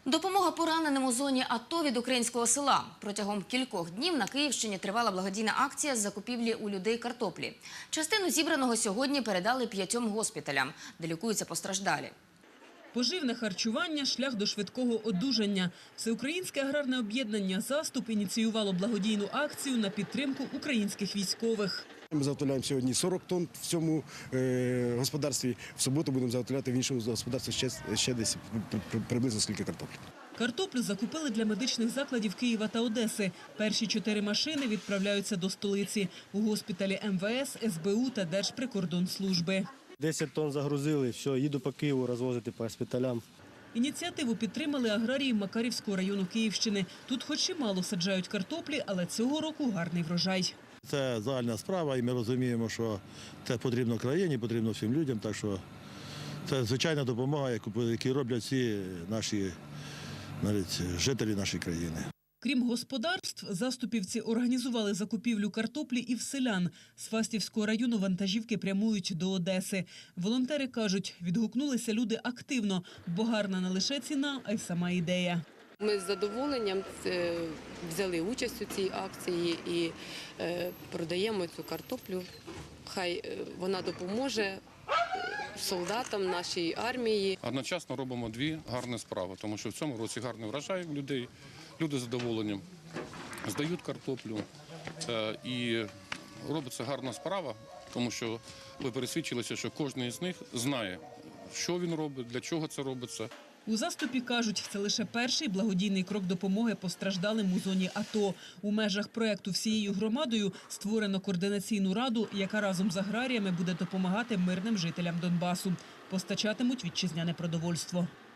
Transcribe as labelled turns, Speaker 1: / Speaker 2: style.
Speaker 1: Допомога пораненим у зоні АТО від українського села. Протягом кількох днів на Київщині тривала благодійна акція з закупівлі у людей картоплі. Частину зібраного сьогодні передали 5 госпіталям, де лікуються постраждалі.
Speaker 2: Поживне харчування – шлях до швидкого одужання. Всеукраїнське аграрне об'єднання «Заступ» ініціювало благодійну акцію на підтримку українських військових.
Speaker 3: Ми заготовляємо сьогодні 40 тонн в цьому господарстві. В суботу будемо заготовляти в іншому господарстві ще десь приблизно скільки картоплі.
Speaker 2: Картоплю закупили для медичних закладів Києва та Одеси. Перші 4 машини відправляються до столиці. У госпіталі МВС, СБУ та Держприкордонслужби.
Speaker 4: 10 тонн загрузили, все, їду по Києву розвозити по госпіталям.
Speaker 2: Ініціативу підтримали аграрії Макарівського району Київщини. Тут хоч і мало саджають картоплі, але цього року гарний врожай.
Speaker 5: Це загальна справа, і ми розуміємо, що це потрібно країні, потрібно всім людям. Так що це звичайна допомога, яку роблять всі наші жителі нашої країни.
Speaker 2: Крім господарств, заступівці організували закупівлю картоплі і в селян. З Фастівського району вантажівки прямують до Одеси. Волонтери кажуть, відгукнулися люди активно, бо гарна не лише ціна, а й сама ідея.
Speaker 6: Ми з задоволенням взяли участь у цій акції і продаємо цю картоплю. Хай вона допоможе солдатам нашій армії.
Speaker 7: Одночасно робимо 2 гарні справи, тому що в цьому році гарний врожай у людей. Люди з задоволенням здають картоплю і робиться гарна справа, тому що ви пересвідчилися, що кожен із них знає, що він робить, для чого це робиться.
Speaker 2: У «Заступі» кажуть, це лише перший благодійний крок допомоги постраждалим у зоні АТО. У межах проєкту всією громадою створено координаційну раду, яка разом з аграріями буде допомагати мирним жителям Донбасу. Постачатимуть вітчизняне продовольство.